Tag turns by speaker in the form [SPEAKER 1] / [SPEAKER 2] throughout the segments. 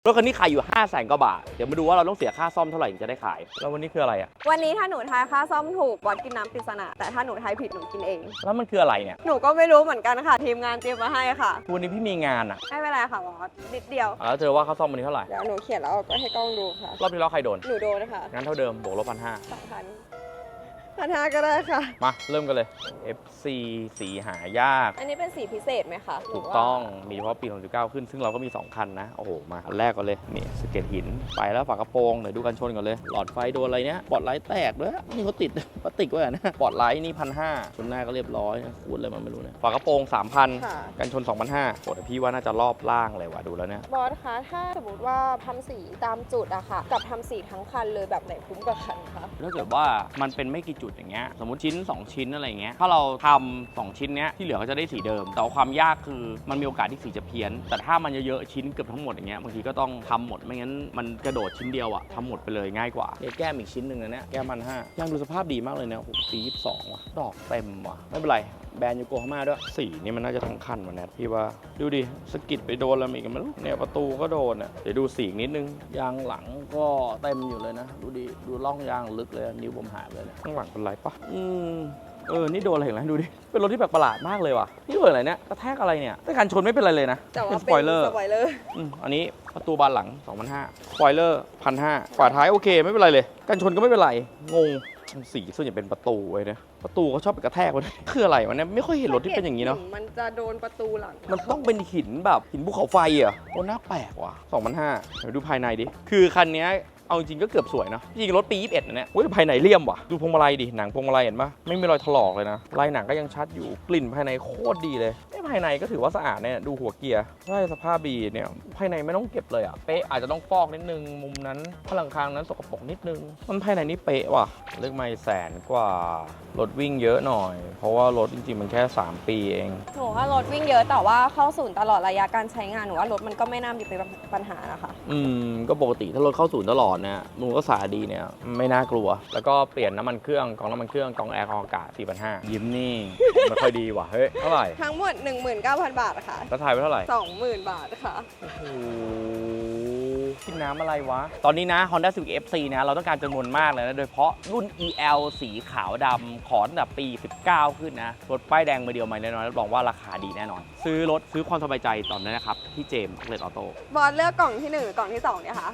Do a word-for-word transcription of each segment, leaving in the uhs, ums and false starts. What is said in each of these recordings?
[SPEAKER 1] รถคันนี้ขายอยู่ห้าแสนกว่าบาทเดี๋ยวมาดูว่าเราต้องเสียค่าซ่อมเท่าไหร่ถึงจะได้ขายแล้ววันนี้คืออะไรอ่ะ
[SPEAKER 2] วันนี้ถ้าหนูทายค่าซ่อมถูกบอสกินน้ำปริศนาแต่ถ้าหนูทายผิดหนูกินเอง
[SPEAKER 1] แล้วมันคืออะไรเนี่ย
[SPEAKER 2] หนูก็ไม่รู้เหมือนกันค่ะทีมงานเตรียมมาให้ค่ะ
[SPEAKER 1] วันนี้พี่มีงานอ่ะ
[SPEAKER 2] ไม่เป็นไรค่ะบอสนิดเดียว
[SPEAKER 1] แล้วเจอว่าค่าซ่อมวันนี้เท่าไหร่
[SPEAKER 2] เดี๋ยวหนูเขียนแล้วเอาก็ให้กล้องดูค่ะ
[SPEAKER 1] รอบที่แล้วใครโดน
[SPEAKER 2] หนูโดนค่ะ
[SPEAKER 1] งั้นเท่าเดิมบวกลบพันห้า
[SPEAKER 2] สองพันพันห้าก็ได้ค่ะ
[SPEAKER 1] มาเริ่มกันเลย เอฟ ซี สีหายาก
[SPEAKER 2] อันนี้เป็นสีพิเศษไหมคะ
[SPEAKER 1] ถูกต้องมีเฉพาะปีสองพันสิบเก้าขึ้นซึ่งเราก็มีสองคันนะโอ้โหมาอันแรกก่อนเลยนี่สเก็ตหินไปแล้วฝากระโปรงเดี๋ยวดูกันชนก่อนเลยหลอดไฟโดนอะไรเนี้ยปอดไลท์แตกด้วยนี่เขาติดพลาสติกไว้นะปอดไลท์นี่พันห้าชนหน้าก็เรียบร้อยขูดอะไรมันไม่รู้เนี่ยฝากระโปรงสามพันกันชนสองพันห้าโอ้แต่พี่ว่าน่าจะรอบล่างเลยว่ะดูแล้วเนี่ย
[SPEAKER 2] บอสคะถ้าสมมติว่าทำสีตามจุดอะค่ะกับทำสีทั้งคันเลยแบบไหนคุ้มกว่ากันคะ
[SPEAKER 1] ถ้าเกิดว่ามันเป็นไม่กี่จุดอย่างเงี้ยสมมติชิ้นสองชิ้นอะไรเงี้ยถ้าเราทำสองชิ้นเนี้ยที่เหลือก็จะได้สีเดิมแต่ความยากคือมันมีโอกาสที่สีจะเพี้ยนแต่ถ้ามันเยอะๆชิ้นเกือบทั้งหมดอย่างเงี้ยบางทีก็ต้องทำหมดไม่งั้นมันกระโดดชิ้นเดียวอะทำหมดไปเลยง่ายกว่าเนี่ยแก้มอีกชิ้นหนึ่งนะเนี่ยแก้มมันห้ายังดูสภาพดีมากเลยเนี่ยโอ้โหปียี่สิบสองว่ะดอกเต็มว่ะไม่เป็นไรแบรนด์ยูโกฮาม่าด้วยสีนี่มันน่าจะทั้งคันว่ะแนทพี่ว่าดูดิสกิดไปโดนอะไรอีกมันเนี่ยประตูก็โดนอ่ะเดี๋ยวดูสีนิดนึงยางหลังก็เต็มอยู่เลยนะดูดิดูร่องยางลึกเลยนิ้วผมหายเลยข้างหลังเป็นไรปะอืมเออนี่โดนอะไรเห็นไหมดูดิเป็นรถที่แปลกประหลาดมากเลยว่ะนี่โดนอะไรเนี่ยกระแทกอะไรเนี่ยแต่การชนไม่เป็นไรเลยนะ
[SPEAKER 2] เป็น
[SPEAKER 1] สปอยเลอร์
[SPEAKER 2] สปอยเลอร์
[SPEAKER 1] อันนี้ประตูบานหลัง สองพันห้าร้อย สปอยเลอร์ หนึ่งพันห้าร้อย ฝาท้ายโอเคไม่เป็นไรเลยกันชนก็ไม่เป็นไรงงสีส่วนใหญ่เป็นประตูไว้เนี่ยประตูเขาชอบไปกระแทกมันคืออะไรวะเนี่ยไม่ค่อยเห็นรถที่เป็นอย่างนี้เนาะ
[SPEAKER 2] มันจะโดนประตูหลัง
[SPEAKER 1] มันต้องเป็นหินแบบหินภูเขาไฟอ่ะโอ้น่าแปลกว่ะ สองพันห้าร้อย เดี๋ยวดูภายในดิคือคันนี้เอาจริงก็เกือบสวยนะจริงรถปียี่สิบเอ็ดนะเนี่ยโอ้ยภายในเลี่ยมว่ะดูพวงมาลัยดิหนังพวงมาลัยเห็นปะไม่มีรอยถลอกเลยนะลายหนังก็ยังชัดอยู่กลิ่นภายในโคตรดีเลยภายในก็ถือว่าสะอาดเนี่ยดูหัวเกียร์ใช่สภาพดีเนี่ยภายในไม่ต้องเก็บเลยอ่ะเป๊ะอาจจะต้องฟอกนิดนึงมุมนั้นผนังคางนั้นสกปรกนิดนึงมันภายในนี่เป๊ะว่ะเลือกไม่แสนกว่ารถวิ่งเยอะหน่อยเพราะว่ารถจริงๆมันแค่สามปีเอง
[SPEAKER 2] หนูว่ารถวิ่งเยอะแต่ว่าเข้าศูนย์ตลอดระยะการใช้งานหนูว่ารถมันก็ไม่น่ามีเป็นปัญหานะคะ
[SPEAKER 1] อืมก็ปกติถ้ารถเข้าศูนย์ตลอดเนี่ยมูลก็สาดีเนี่ยไม่น่ากลัวแล้วก็เปลี่ยนน้ำมันเครื่องกองน้ำมันเครื่องกองแอร์กองอากาศ สี่พันห้าร้อย ยิ้มนี่ไม่ค่อยดีว่ะเฮ้ยเท่าไหร่
[SPEAKER 2] ทั้งหมด หนึ่งหมื่นเก้าพัน บาทค่ะ
[SPEAKER 1] แล้วถ่ายไปเท่าไหร่
[SPEAKER 2] สองหมื่น บาทค่ะ
[SPEAKER 1] โอ้โหกินน้ำอะไรวะตอนนี้นะ Honda Civic เอฟ ซี นะเราต้องการจำนวนมากเลยนะโดยเฉพาะรุ่น อี แอล สีขาวดำขอตั้งแต่ปีสิบเก้าขึ้นนะรถป้ายแดงมาเดียวมาแน่นอนรับรองว่าราคาดีแน่นอนซื้อรถซื้อความสบายใจตอนนี้นะครับที่เจมส์เลดออโต้
[SPEAKER 2] บอสเลือกกล่องที่หนึ่งหรือกล่องที่สองเนี่ยคะ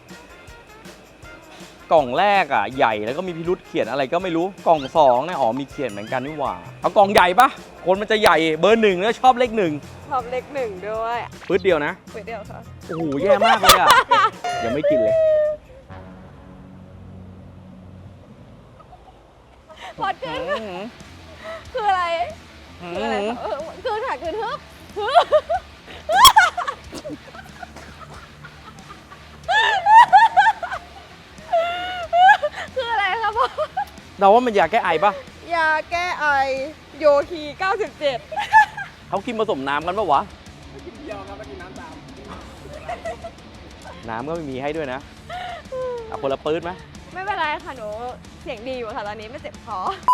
[SPEAKER 1] กล่องแรกอ่ะใหญ่แล้วก็มีพิรุษเขียนอะไรก็ไม่รู้กล่องสองเนี่ยอ๋อมีเขียนเหมือนกันนี่หว่าเอากล่องใหญ่ปะคนมันจะใหญ่เบอร์หนึ่งแล้วชอบเลขหนึ่ง
[SPEAKER 2] ชอบเลขหนึ่งด้วย
[SPEAKER 1] ปื๊ดเดียวนะ
[SPEAKER 2] ปื๊ดเดียวค่ะ
[SPEAKER 1] โอ้โหแย่มากเลยอ่ะยังไม่กินเลย
[SPEAKER 2] พอดขึ้นคืออะไรคืออะไรคือถักคือทึบคืออะไรครับพ่อ
[SPEAKER 1] เราว่ามันยาแก้ไอปะ
[SPEAKER 2] ยาแก้ไอโยคีเก้าสิบเจ็ด
[SPEAKER 1] เขากินผสมน้ำกันปะวะ
[SPEAKER 2] กินเดียวครับกินน้ำตาม
[SPEAKER 1] น้ำก็ไม่มีให้ด้วยนะเอาคนละปื๊ดไหม
[SPEAKER 2] ไม่เป็นไรค่ะหนูเสียงดีอยู่ค่ะตอนนี้ไม่เจ็บคอ